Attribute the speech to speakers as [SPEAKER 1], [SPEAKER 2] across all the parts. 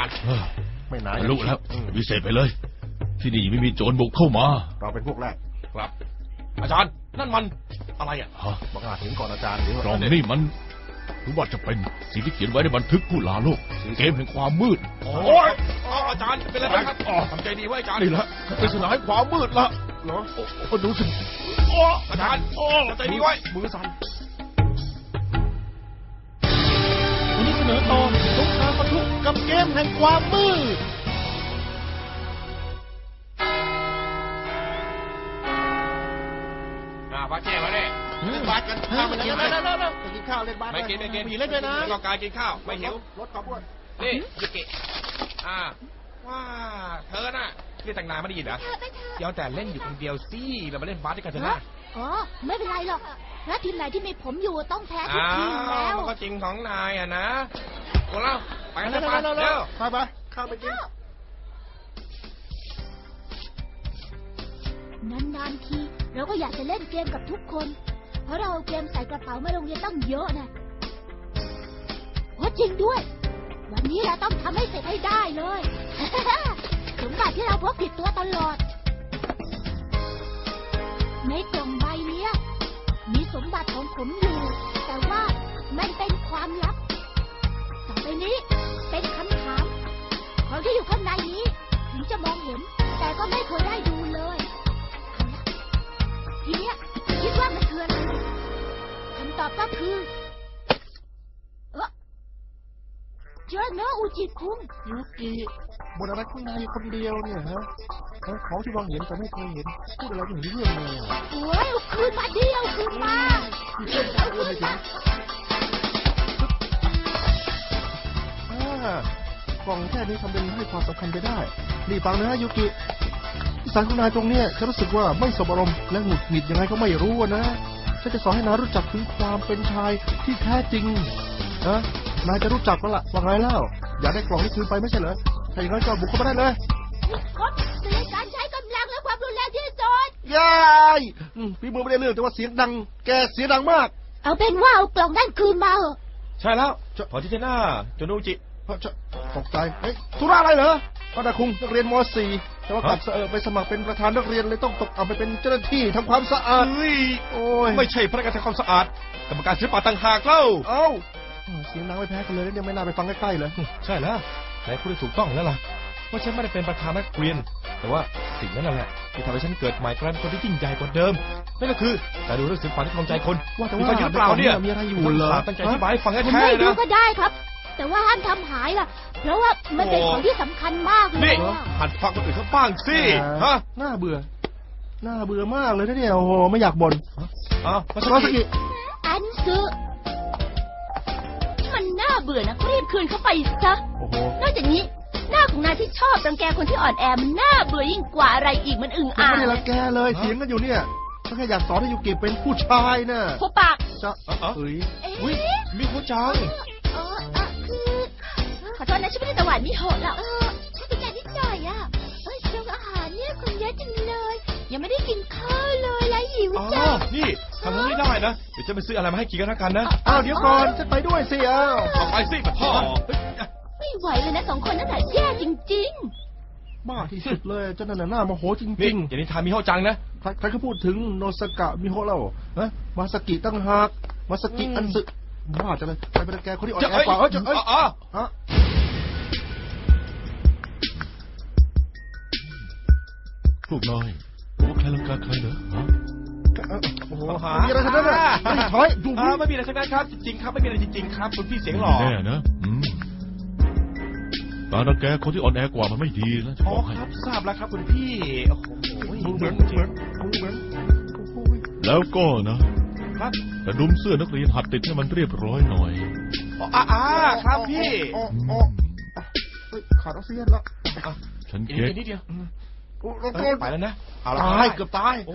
[SPEAKER 1] ารย์
[SPEAKER 2] ไม่นาน
[SPEAKER 3] รู้แล้ววิเศษไปเลยที่นี่ไม่มีโจรบุกเข้ามา
[SPEAKER 2] เราเป็นพวกแรก
[SPEAKER 1] ครับอาจารย์นั่นมันอะไรอ่ะ
[SPEAKER 2] บังอาจเห็นก่อนอาจารย์หรือก
[SPEAKER 3] ล่องนี่มันหรือว่าจะเป็นสิ่งที่เขียนไว้ในบันทึกผู้ลาโลกเกมแห่งความมืด
[SPEAKER 1] โอ้ยอาจารย์เป็นอะไรครับทำใจดีไว้อาจารย์
[SPEAKER 3] นี่แหละเป็นสนามความมืดละ
[SPEAKER 2] เหรอ
[SPEAKER 3] ดูสิ
[SPEAKER 1] อาจารย์ทำใจดีไว้
[SPEAKER 2] มือสั่น
[SPEAKER 4] วันนี้เสนอตอนสงครามปะทุกับเกมแห่งความมืด
[SPEAKER 1] บาสเจ้มาเนี่ย
[SPEAKER 2] เล่นบาสกันข้าวมันยังไงไปกินข้าวเล่นบาส
[SPEAKER 1] ไม่กิน
[SPEAKER 4] มีเล่นด้วยนะ
[SPEAKER 1] ต้องการกินข้าวไม่หิว
[SPEAKER 2] ลดความอ้วน
[SPEAKER 1] นี่ยุกิว่าเธอน่ะเรียกแต่งนานไม่ได้ยินเหรอเดี๋ยวแต่เล่นอยู่คนเดียวสิเรามาเล่นบาสด้วยกันเถอะนะ
[SPEAKER 5] อ๋อไม่เป็นไรหรอกแล้วทีมไหนที่มีผมอยู่ต้องแพ้ทุกทีมแล้ว
[SPEAKER 1] มันก็จริงของนายอ่ะนะโอ้เราไปกันเถอะไปเร็ว
[SPEAKER 2] ไปข้าวไปกิน
[SPEAKER 5] นานๆทีเราก็อยากจะเล่นเกมกับทุกคนเพราะเราเอาเกมใส่กระเป๋ามาโรงเรียนต้องเยอะนะโอ้จริงด้วยวันนี้เราต้องทำให้เสร็จให้ได้เลยสมบัติที่เราพกติดตัวตลอดในกล่องใบนี้มีสมบัติของผมอยู่แต่ว่ามันเป็นความลับต่อไปนี้เป็นคำถามของที่อยู่ข้างในนี้ถึงจะมองเห็นแต่ก็ไม่เคยได้ดูเลยทีเนี้ยคิดว่ามันคืออะไรคำตอบก็คือเจอเนอะอุจิคุง
[SPEAKER 2] ยุกิบนอะไรข้างในคนเดียวเนี่ยฮะของที่มองเห็นแต่ไม่เคยเห็นพูดอะไรไม่เห็นเรื่องเลย
[SPEAKER 5] โอ้ยคืนมาเดียวคืนมาเอาคืนม
[SPEAKER 2] ากล่องแค่นี้ทำเป็นให้ความสำคัญไปได้นี่ฟังนะยุกิสารของนายตรงเนี้ยฉันรู้สึกว่าไม่สบอารมณ์และหงุดหงิดยังไงก็ไม่รู้นะฉันจะสอนให้นายรู้จักถึงความเป็นชายที่แท้จริงนะนายจะรู้จักแล้วล่ะว่าไงเล่าอยากได้กล่องนี้คืนไปไม่ใช่เหรอถ้าอย่างนั้นก็บุกเข้ามาได้เลย
[SPEAKER 5] ครับเตือนการใช้กำลังและความรุนแรงที่สุด
[SPEAKER 2] ยายพี่มือไม่ได้เรื่องแต่ว่าเสียงดังแกเสียงดังมาก
[SPEAKER 5] เอาเป็นว่าเอากล่องนั่นคืนมาเหอะ
[SPEAKER 1] ใช่แล้วพอที่เจน่าจนุจิ
[SPEAKER 2] ตกใจเฮ้ยธุระอะไรเหรอป้าดาคุงนักเรียนม .4 แต่ว่ากลับไปสมัครเป็นประธานนักเรียนเลยต้องตกเอาไปเป็นเจ้าหน้าที่ทำความสะอาด
[SPEAKER 1] โอ้ยไม่ใช่พนักงานทำความสะอาดกรรมการศิลปะต่างหากเล่า
[SPEAKER 2] เสียงดังไม่แพ้กันเลยเนี่ยไม่น่าไปฟังใกล้ๆเลย
[SPEAKER 1] ใช่แล้วนายพูดได้ถูกต้องแล้วล่ะว่าฉันไม่ได้เป็นประธานนักเรียนแต่ว่าสิ่งนั้นแหละที่ทำให้ฉันเกิดใหม่กลายเป็นคนที่ยิ่งใหญ่กว่าเดิมนั่นก็คือการดูเรื่องศิลปะที่ครองใจคน
[SPEAKER 2] ว่าแต่ว่า
[SPEAKER 1] อยู่เปล่าเนี่ย
[SPEAKER 2] มีอะไรอยู่เหรอ
[SPEAKER 1] ตั้งใจอธิบายให้ฟังแท้ๆนะ
[SPEAKER 5] ไม่ดูก็ได้ครับแต่ว่าห้ามทำหายล่ะเพราะว่ามันเป็นของที่สำคัญมากเลย
[SPEAKER 1] นี่หัดฟังคนอื่นเขาบ้างสิฮะ
[SPEAKER 2] น่าเบื่อมากเลยนะเนี่ยโอ้โหไม่อยากบ่น
[SPEAKER 1] มาสักที
[SPEAKER 5] อันซึมันน่าเบื่อนะรีบคืนเข้าไปซะนอกจากนี้หน้าของนายที่ชอบรังแกคนที่อ่อนแอมันน่าเบื่อยิ่งกว่าอะไรอีกมันอึ่งอ่าง
[SPEAKER 2] ไม่ได้รังแกเลยเสียงกันอยู่เนี่ยฉันแค่อยากสอนให้ยูกิเป็นผู้ชายน่ะ
[SPEAKER 5] หัวปาก
[SPEAKER 2] จะเฮ้ย
[SPEAKER 1] มีผู้จัง
[SPEAKER 5] ขอโทษนะฉันไม่ได้ตะหวานมิโหะหรอกฉันเป็นการนิดหน่อยอ่ะเรื่องอาหารเนี่ยคนเยอะจังเลยยังไม่ได้กินข้าวเลยแล้วหิวจัง
[SPEAKER 1] นี่ทำไม่ได้นะเดี๋ยวจะไปซื้ออะไรมาให้กินกันแล้วกันนะ
[SPEAKER 2] เดี๋ยวก่อนฉันไปด้วยสิ
[SPEAKER 1] เอาไปสิพ่อ
[SPEAKER 5] ไม่ไหวเลยนะ2 คนนั่นแหละแย่จริง
[SPEAKER 2] ๆบ้าที่สุดเลยเจ้านั่นน่าโมโหจริง
[SPEAKER 1] ๆอย่างนี้ทามิโฮะจังนะ
[SPEAKER 2] ใครก็พูดถึงโนสกะมิโฮะแล้วมาสกิตั้งหากมาสกิอันสึบ้าจังเลยใครเป็นแกคนที่อ่อนแอกว่า
[SPEAKER 3] พวกน้อยรู้ว่าใครลังกาใครเหรอ
[SPEAKER 2] มีอะไรทั้งนั้นอ่ะถอยดู
[SPEAKER 1] ไม่มีอะไรทั้งนั้นครับจริงๆครับไม่มีอะไรจริงๆครับคุณพี่เสียงหล่อ
[SPEAKER 3] แน่นะการรังแกคนที่อ่อนแอกว่ามันไม่ดีนะจะบอกให้
[SPEAKER 1] ครับทราบแล้วครับคุณพี่โอ้โห
[SPEAKER 2] เหมือน
[SPEAKER 3] แล้วก็นะครับแต่ดุมเสื้อนักเรียนหัดติดให้มันเรียบร้อยหน่อย
[SPEAKER 1] ครับพี่
[SPEAKER 2] ขาดออกซิเจนละ
[SPEAKER 3] ฉันเก็บ
[SPEAKER 1] นิดเดียวไปแล้วนะ
[SPEAKER 2] ตายเกือบตาย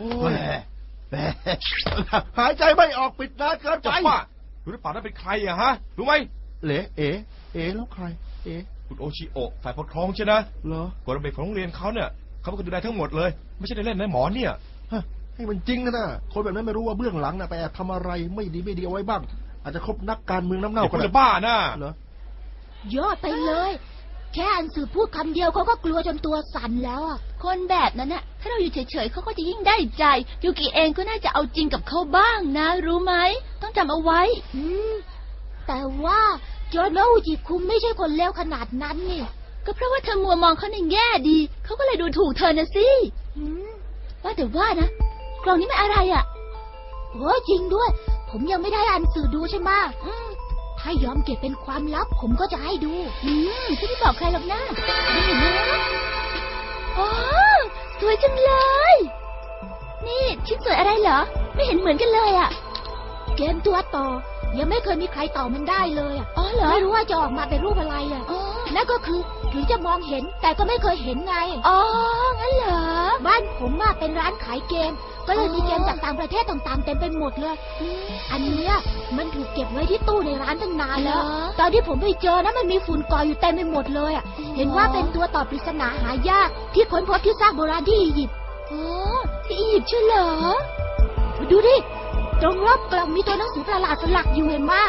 [SPEAKER 2] หายใจไม่ออกปิดนานเกินไป
[SPEAKER 1] รู้หรือเปล่านั่นเป็นใครอะฮะรู้ไหม
[SPEAKER 2] เแล้วใคร
[SPEAKER 1] คุณโอชิโอะฝ่ายปกครองใช่นะ
[SPEAKER 2] เหรอก
[SPEAKER 1] ฎระเบียบของโรงเรียนเขาเนี่ยเขาเป็นคนดูแลทั้งหมดเลยไม่ใช่ได้เล่นนะหมอเนี่ย
[SPEAKER 2] ให้มันจริงนะคนแบบนั้นไม่รู้ว่าเบื้องหลังไปแอบทำอะไรไม่ดีเอาไว้บ้างอาจจะคบนักการเมืองน้ำเน่า
[SPEAKER 1] คนจะบ้าน่ะ
[SPEAKER 2] เหรอย
[SPEAKER 5] อดไปเลยแค่อันสือพูดคำเดียวเขาก็กลัวจนตัวสั่นแล้วอ่ะ
[SPEAKER 6] คนแบบนั้นน่ะถ้าเราอยู่เฉยๆเขาก็จะยิ่งได้ใจยูกิเองก็น่าจะเอาจริงกับเขาบ้างนะรู้ไหมต้องจำเอาไว้
[SPEAKER 5] แต่ว่าโจโนอุจิคุงไม่ใช่คนเลวขนาดนั้นนี่
[SPEAKER 6] ก็เพราะว่าเธอมัวมองเขาในแง่ดีเขาก็เลยดูถูกเธอนะสิว่าแต่ว่านะกล่องนี้มันอะไรอ่ะ
[SPEAKER 5] โอ้จริงด้วย ผมยังไม่ได้อ่านสื่อดูใช่ไหมถ้ายอมเก็บเป็นความลับผมก็จะให้ดู
[SPEAKER 6] ฉันไม่บอกใครหรอกนะนี่เห็นไหมอ๋อสวยจังเลยนี่ชิ้นส่วนอะไรเหรอไม่เห็นเหมือนกันเลยอ่ะ
[SPEAKER 5] เกมตัวต่อยังไม่เคยมีใครต่อมันได้เลยอ่ะ
[SPEAKER 6] อ๋อเหรอ
[SPEAKER 5] ไม่รู้ว่าจะออกมาเป็นรูปอะไรอ่ะนั่นก็คือถึงจะมองเห็นแต่ก็ไม่เคยเห็นไง
[SPEAKER 6] อ๋องั้นเหรอ
[SPEAKER 5] บ้านผมเป็นร้านขายเกมก็เลยมีเกมจากต่างประเทศต่างๆเต็มไปหมดเลยอันเนี้ยมันถูกเก็บไว้ที่ตู้ในร้านตั้งนานแล้วตอนที่ผมไปเจอนะมันมีฝุ่นเกาะอยู่เต็มไปหมดเลยอ่ะเห็นว่าเป็นตัวต่อปริศนาหายากที่ค้นพบที่ซากโบราณที่อียิปต์
[SPEAKER 6] ที่อียิปต์ใช่เหรอ
[SPEAKER 5] ดูดิตรงรอบกล่องมีตัวหนังสือประหลาดสลักอยู่เห็นไหม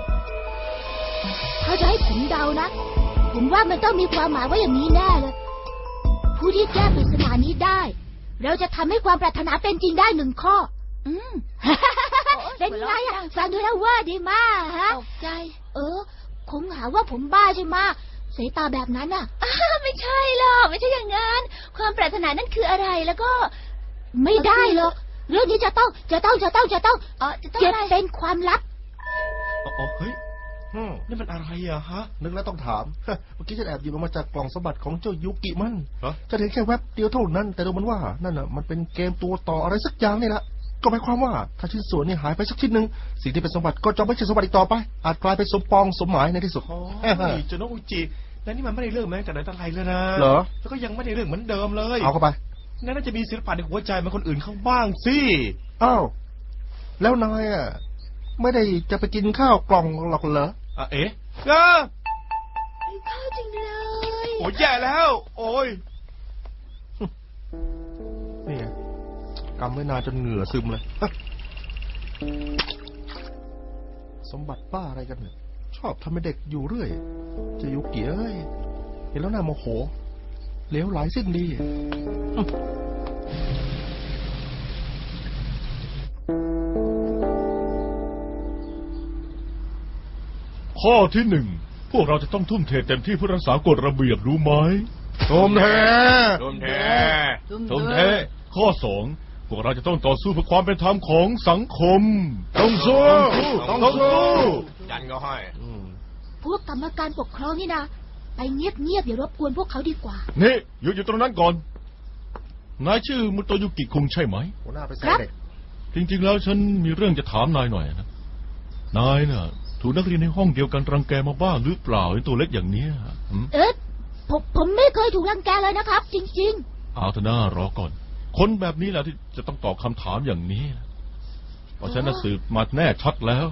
[SPEAKER 5] ถ้าจะให้ผมเดานะผมว่ามันต้องมีความหมายว่าอย่างนี้แน่เลยผู้ที่แก้ปริศนานี้ได้เราจะทำให้ความปรารถนาเป็นจริงได้1 ข้อเป็นไงอ่ะฟังดูแล้วว่าดีมากฮะ
[SPEAKER 6] ตกใจ
[SPEAKER 5] คงหาว่าผมบ้าใช่ไหมสายตาแบบนั้นอ่ะ
[SPEAKER 6] ไม่ใช่หรอกไม่ใช่อย่างนั้นความปรารถนานั่นคืออะไรแล้วก็
[SPEAKER 5] ไม่ได้หรอกเรื่องนี้จะต้องเก็บเป็นความลับ
[SPEAKER 1] เฮ้ยนี่มันอะไรอะฮะ
[SPEAKER 2] นึกแล้วต้องถามเมื่อกี้ฉันแอบหยิบออกมาจากกล่องสมบัติของเจ้ายุกิมันจะเห็นแค่แวบเดียวเท่านั้นแต่ดูมันว่านั่นน่ะมันเป็นเกมตัวต่ออะไรสักอย่างนี่แหละก็หมายความว่าถ้าชิ้นส่วนนี้หายไปสักชิ้นหนึ่งสิ่งที่เป็นสมบัติก็จะไม่ใช่สมบัติอีกต่อไปอาจกลายเป็นสมปองสมหมายในที่สุด
[SPEAKER 1] โจโนอุจิแต่นี่มันไม่ได้เรื่องแม้แต่ไหนแต่ไรเลยนะ
[SPEAKER 2] เหรอ
[SPEAKER 1] แล้วก็ยังไม่ได้เรื่องเหมือนเดิมเลย
[SPEAKER 2] เอาเข้าไป
[SPEAKER 1] น่าจะมีศิลปะในหัวใจมันคนอื่นเขาบ้างสิ
[SPEAKER 2] อ้าวแล้วนายอ่ะไม่ได้จะไปกินข้าวกล่องหรอกเหรอ
[SPEAKER 1] เอ๊ะ
[SPEAKER 6] ข้าวจริงเลย
[SPEAKER 1] โอ้ยแย่แล้วโอ้ย
[SPEAKER 2] นี่กำไว้นานจนเหงื่อซึมเลยสมบัติป้าอะไรกันเนี่ยชอบทำให้เด็กอยู่เรื่อยจะยุกิเอ้ยเห็นแล้วน่าโมโหเหลวไหลสิ้นดี
[SPEAKER 3] ข้อที่1พวกเราจะต้องทุ่มเทเต็มที่เพื่อรักษากฎระเบียบรู้ไหม
[SPEAKER 2] ทุ่มเท
[SPEAKER 3] ข้อ2พวกเราจะต้องต่อสู้เพื่อความเป็นธรรมของสังคมต้องสู้
[SPEAKER 1] ยันก็ให้
[SPEAKER 5] พวกกรรมการปกครองนี่นะไปเงียบอย่ารบกวนพวกเขาดีกว่า
[SPEAKER 3] นี่อยู่ตรงนั้นก่อนนายชื่อมุโตยุกิคุงใช่ไหม
[SPEAKER 2] ครับ
[SPEAKER 3] จริงๆแล้วฉันมีเรื่องจะถามนายหน่อยนะนายน่ะถูกนักเรียนในห้องเดียวกันรังแกมาบ้างหรือเปล่าในตัวเล็กอย่างนี้
[SPEAKER 5] ผมไม่เคยถูกรังแกเลยนะครับจริง
[SPEAKER 3] ๆเอาเถอะน่ารอก่อนคนแบบนี้แหละที่จะต้องตอบคำถามอย่างนี้เพราะฉันน่ะสืบมาแน่ชัดแล้ว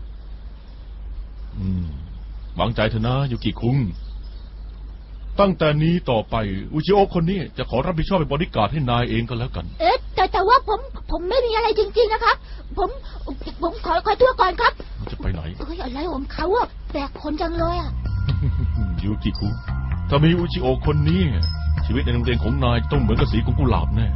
[SPEAKER 3] หวังใจเถอะนะยุกิคุงตั้งแต่นี้ต่อไปอุจิโอะคนนี้จะขอรับผิดชอบเป็นบริการให้นายเองก็แล้วกัน
[SPEAKER 5] แต่ว่าผมไม่มีอะไรจริงๆนะครับผมขอตัวก่อนครับ
[SPEAKER 3] จะไปไหน
[SPEAKER 5] อะไรของเขาอะแปลกคนจังเลยอะ
[SPEAKER 3] ยูกิคุถ้ามีอุจิโอะคนนี้ชีวิตในโรงเรียนของนายต้องเหมือนกับสีของกุหลาบแน่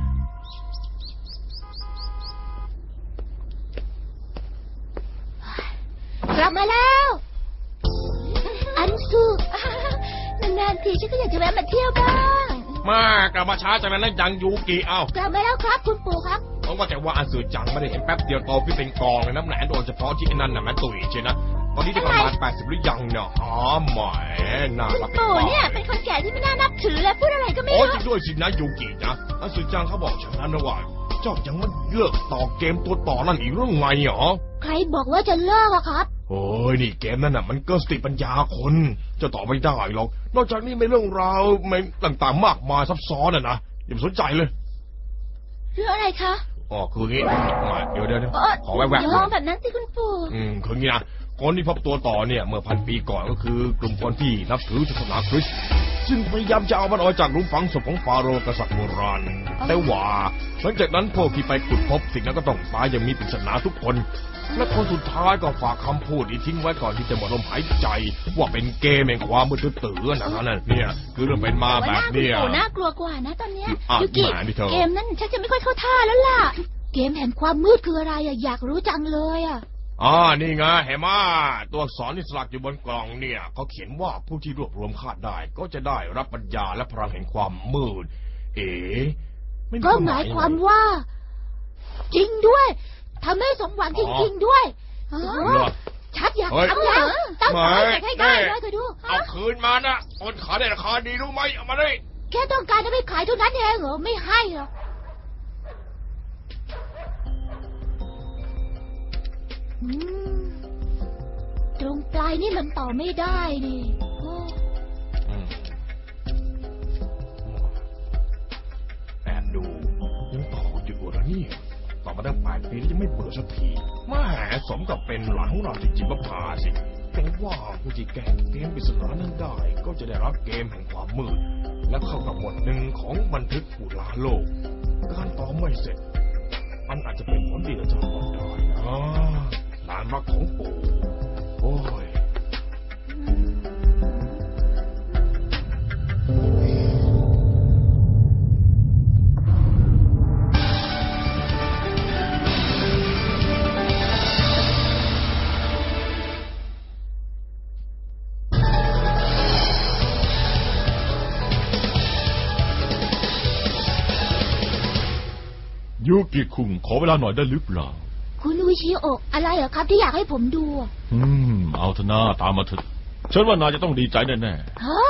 [SPEAKER 5] กลับมาแล้วอันซูนานๆทีฉันก็อยากจะแวะมาเที่ยวบ้าง
[SPEAKER 1] มากลับมาช้าจังนั้นยังยูกิ
[SPEAKER 5] กลับมาแล้วครับคุณปู่ครับ
[SPEAKER 1] เพราะว่าแต่ว่าอันสือจังไม่ได้เห็นแป๊บเดียวโตขึ้นเป็นกองเลยน้ำแหนโดยเฉพาะที่นั่นน่ะมันตุ๋ยใช่นะตอนนี้จะประมาณ80หรือยังเนี่ยหมายน่า
[SPEAKER 6] คุณปู่เนี่ยเป็นคนแก่ที่ไม่น่านับถือและพูดอะไรก็ไม่รู้
[SPEAKER 1] จริงด้วยสินะยูกินะอันสือจังเขาบอกฉันนะว่าเจ้ายังไม่เลิกต่อเกมตัวต่อนั่นอีกเรื่องไงเหรอ
[SPEAKER 5] ใครบอกว่าจะเลิกอะครับ
[SPEAKER 1] โอ้ยนี่เกมนั่นน่ะมันเกินสติปัญญาคนจะต่อไม่ได้หรอกนอกจากนี้ไม่เรื่องราวไม่ต่างๆมากมายซับซ้อนนะอย่าสนใจเลย
[SPEAKER 6] เรื่องอะไรคะ
[SPEAKER 1] คืองี้เดี๋ยวขอแวบๆ
[SPEAKER 6] อย่าแบบนั้นสิคุณปู่
[SPEAKER 1] คืองี้นะคนที่พบตัวต่อเนี่ยเมื่อ1,000 ปีก่อนก็คือกลุ่มคนที่นับถือศาสนาคริสต์ซึ่งพยายามจะเอามันออกจากหลุมฝังศพของฟาโรห์กษัตริย์โบราณแต่ว่าหลังจากนั้นพวกที่ไปขุดพบสิ่งนั้นก็ต้องตายอย่างมีปริศนาทุกคนและคนสุดท้ายก็ฝากคำพูดที่ทิ้งไว้ก่อนที่จะหมดลมหายใจว่าเป็นเกมแห่งความมืดตื้อนั่นเนี่ยคือเรื่องเป็นมาแบบเนี้ย
[SPEAKER 6] น่ากลัวกว่านะตอนเนี้ย
[SPEAKER 1] อ่ะ
[SPEAKER 6] ยูกิ
[SPEAKER 1] มาดิเธอ
[SPEAKER 6] เกมนั้นฉันจะไม่ค่อยเข้าท่าแล้วล่ะ
[SPEAKER 5] เกมแห่งความมืดคืออะไรอะอยากรู้จังเลยอะ
[SPEAKER 1] นี่ไงเห็นไหมตัวอักษรที่สลักอยู่บนกล่องเนี่ยเขาเขียนว่าผู้ที่รวบรวมคาดได้ก็จะได้รับปัญญาและพลังแห่งความมืดไม่มี
[SPEAKER 5] ก็หมายความว่า จริงด้วยทำให้สมหวังจริงๆด้วย
[SPEAKER 1] เหรอ
[SPEAKER 5] ชัดอยากทำแล้วต้องทำให้ได้เลยก็ดู
[SPEAKER 1] เอาคืนมานะคนขายได้ราคาดีรู้ไหมเอามาเลย
[SPEAKER 5] แค่ต้องการจะไปขายเท่านั้นเองเหรอไม่ให้หรอกอืมตรงปลายนี่มันต่อไม่ได้นี่โอ้
[SPEAKER 1] แอบดูยังต่ออยู่เหรอเนี่ยต่อมาตั้ง8 ปีแล้วยังไม่เบื่อสักทีแม่สมกับเป็นหลานของเราจริงๆก็พาสิแต่ว่าผู้ที่แก้เกมปริศนานั้นได้ก็จะได้รับเกมแห่งความมืดและเข้ากับบทหนึ่งของบันทึกผู้ล่าโลกการต่อไม่เสร็จมันอาจจะเป็นผลดีต่อเจ้าก็ได้นะหลานรักของปู่โอ้ย
[SPEAKER 3] ยูกิคุงขอเวลาหน่อยได้หรือเปล่า
[SPEAKER 5] คุณอุชิโอะอะไรเหรอครับที่อยากให้ผมดูอะ
[SPEAKER 3] เอาเถอะนะตามมาเถอะฉันว่านายจะต้องดีใจแน่
[SPEAKER 5] ฮะ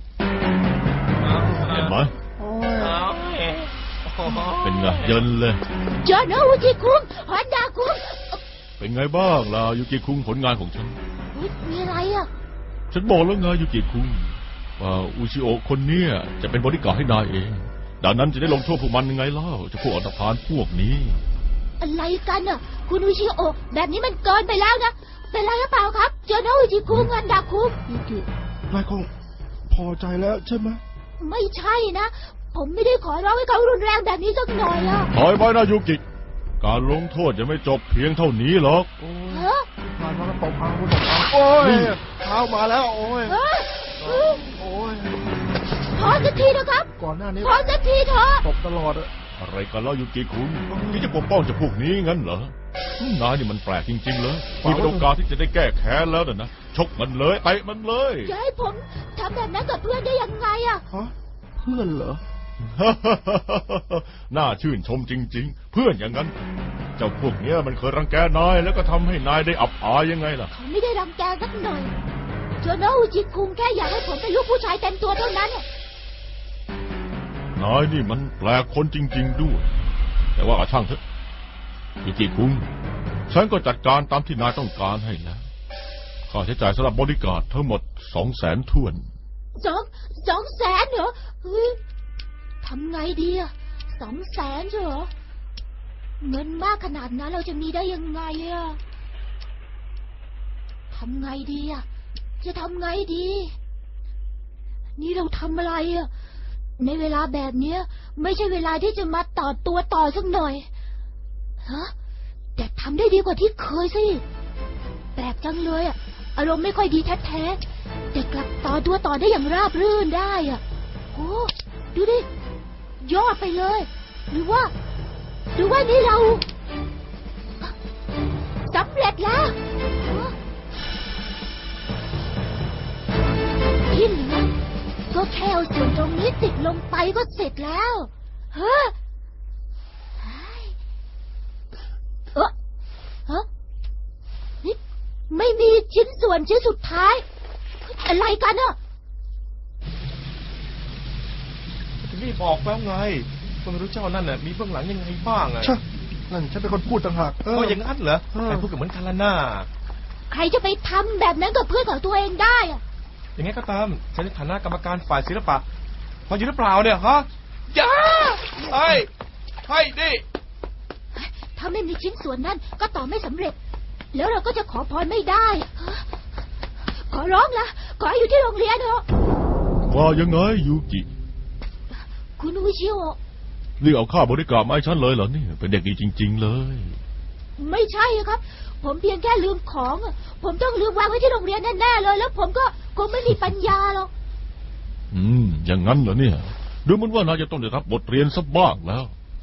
[SPEAKER 3] ๆเห็นไหม
[SPEAKER 2] โอ้ย
[SPEAKER 3] เป็นไงเยินเลย
[SPEAKER 5] เจอนะอุชิคุงฮอนดาคุง
[SPEAKER 3] เป็นไงบ้างล่ะยูกิคุงผลงานของฉัน
[SPEAKER 5] เฮ้ยมีอะไรอะ
[SPEAKER 3] ฉันบอกแล้วไงยูกิคุงว่าอุชิโอะคนเนี้ยจะเป็นบริการดให้นายเองดังนั้นจะได้ลงโทษพวกมันยังไงเล่าจะพวกอันธพาลพวกนี้
[SPEAKER 5] อะไรกันอะคุณอุชิโอะแบบนี้มันเกินไปแล้วนะเป็นไรหรือเปล่าครับเจอนะอุชิคุงฮอนดาคุง
[SPEAKER 2] ยูกินายคงพอใจแล้วใช่ไหม
[SPEAKER 5] ไม่ใช่นะผมไม่ได้ขอร้องให้เขารุนแรงแบบนี้สักหน่อยอะ
[SPEAKER 3] ถอยไปนะยูกิการลงโทษจะไม่จบเพียงเท่านี้หรอก
[SPEAKER 5] ฮะ
[SPEAKER 2] นายมาแล้วตบพังคุณตบพังโอ้ยเท้ามาแล้วโอ้ย
[SPEAKER 5] ฮะ
[SPEAKER 2] โอ้ย
[SPEAKER 5] พอสักทีนะครับ
[SPEAKER 2] ก่อนหน้านี้
[SPEAKER 5] พอสักทีเถอะ
[SPEAKER 2] ตบตลอดอะ
[SPEAKER 3] อะไรกันเล่ายูกิคุงที่จะปกป้องเจะพวกนี้งั้นเหรอนายนี่มันแปลกจริงๆเลยมีโอกาสที่จะได้แก้แค้นแล้วนะชกมันเลยเตะมันเลย
[SPEAKER 5] จะให้ผมทำแบบนั้นกับเพื่อนได้ยังไงอะ
[SPEAKER 2] ฮะเพื่อนเหรอ
[SPEAKER 3] น่าชื่นชมจริงๆ เพื่อนอย่างนั้น เจ้าพวกเนี้ยมันเคยรังแกนายแล้วก็ทำให้นายได้อับอายยังไงล่ะ
[SPEAKER 5] เขาไม่ได้รังแกสักหน่อยเจอนะอุจิคุงแค่อยากให้ผมเป็นลูกผู้ชายเต็มตัวเท่านั้นน่ะ
[SPEAKER 3] นายนี่มันแปลกคนจริงๆด้วย แต่ว่าช่างเถอะยูกิคุงฉันก็จัดการตามที่นายต้องการให้แล้วค่าใช้จ่ายสำหรับบริการดทั้งหมด200,000 ถ้วน
[SPEAKER 5] 200,000เหรอเฮ้ยทำไงดีอะ200,000เหรอเงินมากขนาดนั้นเราจะมีได้ยังไงอะทำไงดีอะจะทำไงดี นี่เราทำอะไรอะในเวลาแบบเนี้ย ไม่ใช่เวลาที่จะมาต่อตัวต่อสักหน่อยฮะแต่ทำได้ดีกว่าที่เคยสิแปลกจังเลยอะอารมณ์ไม่ค่อยดีแท้ๆแต่กลับต่อตัวต่อได้อย่างราบรื่นได้อะโอ้ดูดิยอดไปเลย หรือว่านี่เราสำเร็จแล้วที่เหลือก็แค่เอาส่วนตรงนี้ติดลงไปก็เสร็จแล้วเฮ้ยฮะนี่ไม่มีชิ้นส่วนชิ้นสุดท้ายอะไรกันอะ
[SPEAKER 1] นี่บอกแล้วไงก็ไม่รู้เจ้านั่นน่ะมีเบื้องหลังยังไงบ้างอะ
[SPEAKER 2] ใช่นั่นฉันเป็นคนพูดต่างหาก
[SPEAKER 1] ก็อย่างนั้นเหรอใครพูดกับเหมือนกันละน่า
[SPEAKER 5] ใครจะไปทำแบบนั้นกับเพื่อนของตัวเองได้อะ
[SPEAKER 1] อย่างงี้ก็ตามฉันในฐานะกรรมการฝ่ายศิลปะพออยู่หรือเปล่าเนี่ยฮะอย่าให้ดิ
[SPEAKER 5] ถ้าไม่มีชิ้นส่วนนั้นก็ต่อไม่สำเร็จ แล้วเราก็จะขอพรไม่ได้ ขอร้องละขอให้อยู่ที่โรงเรียนเถอะ
[SPEAKER 3] ว่ายังไงยูกิ
[SPEAKER 5] คุณอุชิโอะ
[SPEAKER 3] นี่เอาข้าวบริการมาให้ฉันเลยเหรอเนี่ยเป็นเด็กดีจริง ๆเลย
[SPEAKER 5] ไม่ใช่ครับ ผมเพียงแค่ลืมของอะผมต้องลืมวางไว้ที่โรงเรียนแน่ๆเลย แล้วผมก็คงไม่มีปัญญาหรอก
[SPEAKER 3] อย่างนั้นเหรอเนี่ยดูเหมือนว่านายจะต้องได้รับบทเรียนสักบ้างแล้ว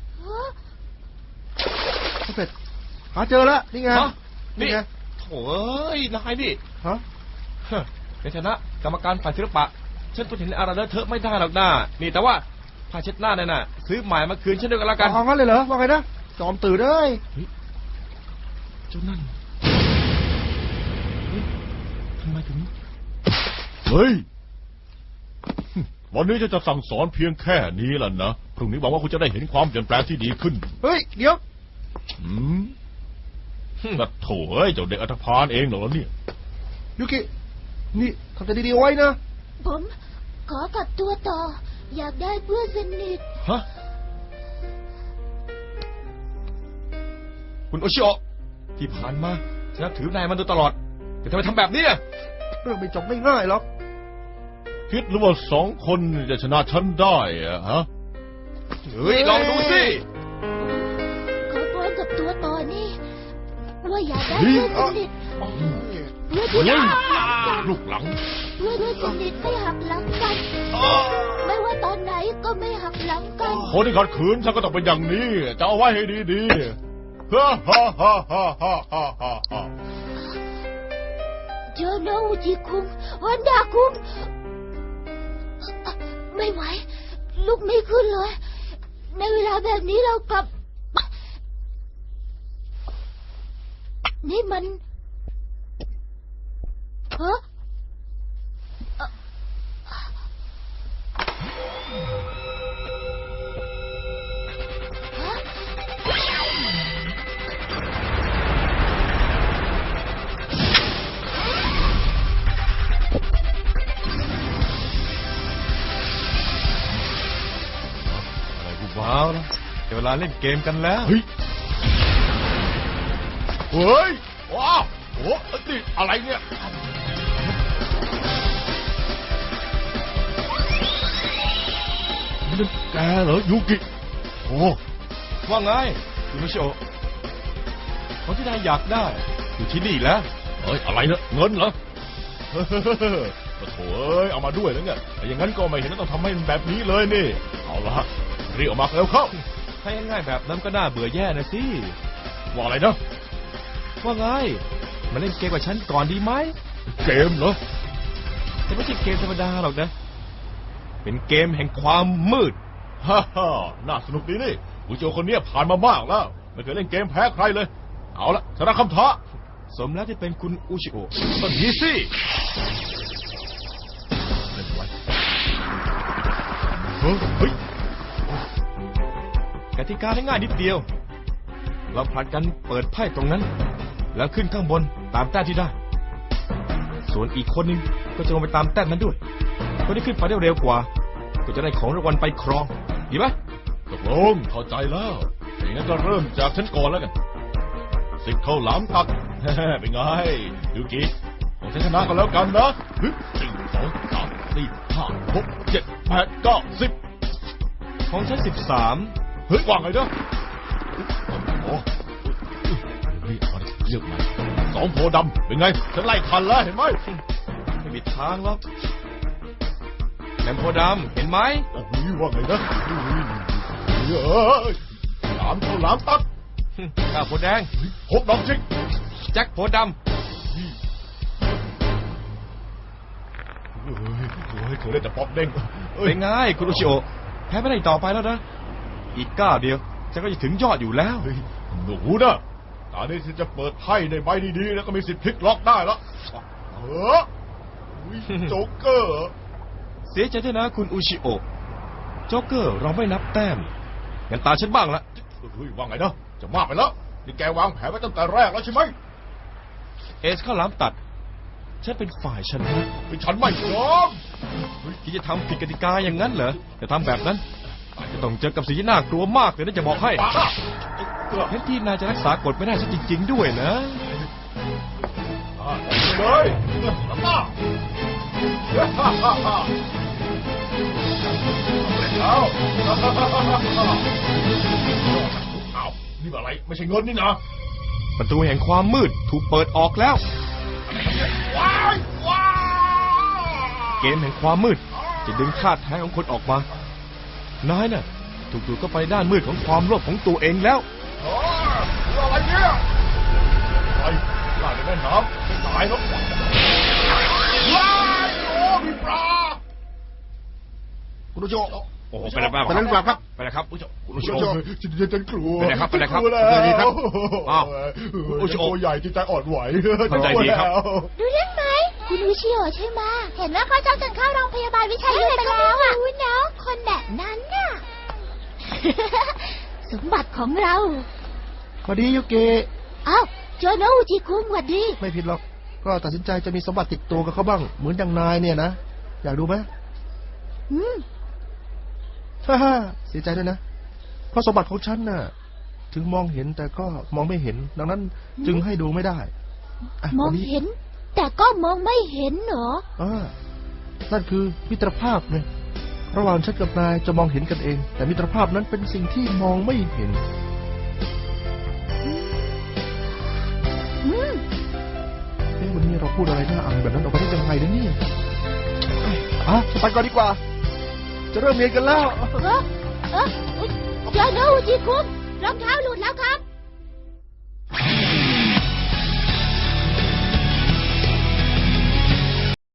[SPEAKER 2] เป็ดหาเจอแล้วนี่ไง
[SPEAKER 1] ฮะ
[SPEAKER 2] นี่ไง
[SPEAKER 1] โถ่เอ้ยนายนี่
[SPEAKER 2] ฮะ
[SPEAKER 1] ในฐานะกรรมการฝ่ายศิลปะฉันทนเห็นอะไรเลอะเทอะไม่ได้หรอกนะนี่แต่ว่าผ้าเช็ดหน้านั่นน่ะซื้อใหม่มาคืนฉันด้วยกันแล้วกัน
[SPEAKER 2] เอางั้นเลยเหรอว่าไงนะจอมตื่นเลย
[SPEAKER 1] เจ้านั่นเฮ้ยทำไมถึง
[SPEAKER 3] เฮ้ย วันนี้จะสั่งสอนเพียงแค่นี้แหละนะพรุ่งนี้หวังว่าคุณจะได้เห็นความเปลี่ยนแปลงที่ดีขึ้น
[SPEAKER 2] เฮ้ยเดี๋ยว
[SPEAKER 3] กระโถเอ้ยเจ้าเด็กอัฐพาลเองเหรอเนี่ย
[SPEAKER 2] ยูกินี่ทำใจดีๆไว้นะ
[SPEAKER 5] ผมขอกลับตัวต่อ อยากได้เพื่อนสนิท
[SPEAKER 1] ฮะคุณโอชิโอะที่ผ่านมาฉันนับถือนายมาโดยตลอดแต่ทำไมทำแบบนี้อะ
[SPEAKER 2] เรื่องไม่จบไม่ง่ายหรอก
[SPEAKER 3] คิดหรือว่า2 คนจะชนะฉันได้อะฮะ
[SPEAKER 1] เฮ้ยลองดูสิ
[SPEAKER 5] ขอพรกับตัวต่อนี่ว่าอยากได้เพื่อนสนิทเพื่อนที่หักหลังกัน
[SPEAKER 3] ลูกหลัง
[SPEAKER 5] เพื่อนสนิทไม่หักหลังกัน ไม่ว่าตอนไหนก็ไม่หักหลังกัน
[SPEAKER 3] คนที่ขัดขืนฉันก็ต้องเป็นอย่างนี้จะเอาไว้ให้ดีๆฮ่าฮ่าฮ่าฮ่าฮ่าฮ่าฮ่า
[SPEAKER 5] เจอโนอุจิคุงฮอนดาคุงไม่ไหวลุกไม่ขึ้นเลย ในเวลาแบบนี้เรากลับ นี่มันฮะ
[SPEAKER 1] ว้าวนะเดี๋ยวเวลาเล่นเกมกันแล้ว
[SPEAKER 3] เฮ้ย เฮ้ย ว้าวโอ้นี่อะไรเนี่ยนี่แกเหรอยูกิโอ้
[SPEAKER 1] ว่าไงคุณโอชิโอะคนที่นายอยากได้อยู่ที่นี่แล้ว
[SPEAKER 3] เฮ้ยอะไรเนี่ยเงินเหรอเฮ้ยโถ่เอ้ยเอามาด้วยแล้วเนี่ยแต่อย่างนั้นก็ไม่เห็นต้องทำให้มันแบบนี้เลยนี่เอาละรีบออกมาเร็วเข้า
[SPEAKER 1] ถ้าง่ายๆแบบนั้นก็น่าเบื่อแย่นะสิ
[SPEAKER 3] ว่าอะไรนะ
[SPEAKER 1] ว่าไงมาเล่นเกมกับฉันก่อนดีไหม
[SPEAKER 3] เกมเหรอ
[SPEAKER 1] แต่ไม่ใช่เกมธรรมดาหรอกนะเป็นเกมแห่งความมืด
[SPEAKER 3] ฮ่าฮ่าน่าสนุกดีนี่ผู้โจคนนี้ผ่านมามากแล้วไม่เคยเล่นเกมแพ้ใครเลยเอาละชนะคำท้า
[SPEAKER 1] สมแล้วที่เป็นคุณอุชิโอะต้นนี้สิ
[SPEAKER 3] เล่นไว้เฮ้ย
[SPEAKER 1] กติกาง่ายๆนิดเดียว เราผลัดกันเปิดไพ่ตรงนั้น แล้วขึ้นข้างบนตามแต้มที่ได้ ส่วนอีกคนนึงก็จะลงไปตามแต้มนั้นด้วยคนที่ขึ้นไปได้เร็วกว่า ก็จะได้ของรางวัลไปครองดีไหม
[SPEAKER 3] ตกลงเข้าใจแล้วอย่างนั้นก็เริ่มจากฉันก่อนแล้วกันสิบข้าวหลามตัด เป็นไงยูกิของฉันชนะกันแล้วกันนะ1 2 3 4 5 6 7 8 9 10
[SPEAKER 1] ของฉัน13
[SPEAKER 3] เฮ้ยว่าไงเนาะโอ้นี่เอาดิเลือกมา2 โพดำเป็นไงฉันไล่ทันแล้วเห็นไหม
[SPEAKER 1] ไม่มีทางหรอกแหลมโพดำเห็นไหม
[SPEAKER 3] โอ้ยว่าไงนะเฮ้ย3 ข้าวหลามตัด
[SPEAKER 1] ก้าวโพแดง
[SPEAKER 3] 6 ดอกจิก
[SPEAKER 1] แจ็คโพดำ
[SPEAKER 3] เฮ้ยเคยเล่นแต่ป๊อปเด้ง
[SPEAKER 1] เป็นไงคุณอุชิโอะแพ้ไม่ได้อีกต่อไปแล้วนะอีกก้าวเดียวฉันก็จะถึงยอดอยู่แล้ว
[SPEAKER 3] เฮ้ยหนูนะตอนนี้ฉันจะเปิดไพ่ในใบดีๆแล้วก็มีสิทธิ์พลิกล็อกได้แล้วโจ๊กเกอร์
[SPEAKER 1] เสียใจด้วยนะคุณอุชิโอะโจ๊กเกอร์เราไม่นับแต้มงั้นตาฉันบ้างละ
[SPEAKER 3] เฮ้ยว่าไงนะจะมากไปแล้วนี่แกวางแผนไว้ตั้งแต่แรกแล้วใช่ไหม
[SPEAKER 1] เอสข้าวหลามตัดฉันเป็นฝ่ายชนะ
[SPEAKER 3] ฉันไม่ยอม
[SPEAKER 1] ที่จะทำผิดกติกาอย่างนั้นเหรอจะทำแบบนั้นอาจจะต้องเจอกับสิ่งที่น่ากลัวมากเลยนะจะบอกให้แทนที่นายจะรักษากฎไม่ได้ซะจริงๆด้วยนะ
[SPEAKER 3] เลย
[SPEAKER 1] เอาเอานี่อะไรไม่ใช่เงินนี่นะ
[SPEAKER 2] ประตูแห่งความมืดถูกเปิดออกแล้ว
[SPEAKER 1] ว้ายว้าย
[SPEAKER 2] เกมแห่งความมืดจะดึงธาตุแท้ของคนออกมานายน่ะถูกดูดเข้าไปด้านมืดของความโลภของตัวเองแล้ว
[SPEAKER 1] อะไรเนี่ยไอ้ปลาในแม่น้ำไม่ตายหรอกว้ายโอ้มีปลา
[SPEAKER 2] คุณผู้ชม
[SPEAKER 3] โอ้โหไปแล้วบ้าง
[SPEAKER 2] ไปแล้วครับ
[SPEAKER 3] ไปแล้วครับคุณผู้ชม
[SPEAKER 1] ฉันกลัว
[SPEAKER 3] ไปไหนครับไปไหนครับ
[SPEAKER 1] กลัวแล้ว
[SPEAKER 3] ไปไหนครับอ้าว
[SPEAKER 1] โอ้โหตัวใหญ่ที่ใจอ่อนไหว
[SPEAKER 3] เข้าใจดีครับ
[SPEAKER 6] ดูเรื่องไหมคุณวิชิโอใช่ไหมเห็นว่าเขาจ้องจนเข้าโรงพยาบาลวิชัยไปแล้วอ่ะรู้เนาะคนแบบนั้นน่ะ
[SPEAKER 5] สมบัติของเรา
[SPEAKER 2] พอดียูเกะ
[SPEAKER 5] เอ้าโจโนอุจิคุงหวัดดี
[SPEAKER 2] ไม่ผิดหรอกก็ตัดสินใจจะมีสมบัติติดตัวกับเขาบ้างเหมือนอย่างนายเนี่ยนะอยากดูไหม
[SPEAKER 5] อืม
[SPEAKER 2] ฮ่าเสียใจด้วยนะเพราะสมบัติของฉันน่ะถึงมองเห็นแต่ก็มองไม่เห็นดังนั้นจึงให้ดูไม่ได้ะ
[SPEAKER 5] มอง
[SPEAKER 2] วันนี้
[SPEAKER 5] เห็น แต่ก็มองไม่เห็นเหรอ
[SPEAKER 2] นั่นคือมิตรภาพไงระหว่างฉันกับนายจะมองเห็นกันเอง แต่มิตรภาพนั้นเป็นสิ่งที่มองไม่เห็น
[SPEAKER 5] อืม
[SPEAKER 2] วันนี้เราพูดอะไรน่าอังแบบนั้นออกไปได้ยังไงนะเนี่ยไปก่อนดีกว่า จะเริ่มเรียนกันแล้ว
[SPEAKER 5] โจโนอุจิคุงรองเท้าหลุดแล้วครับ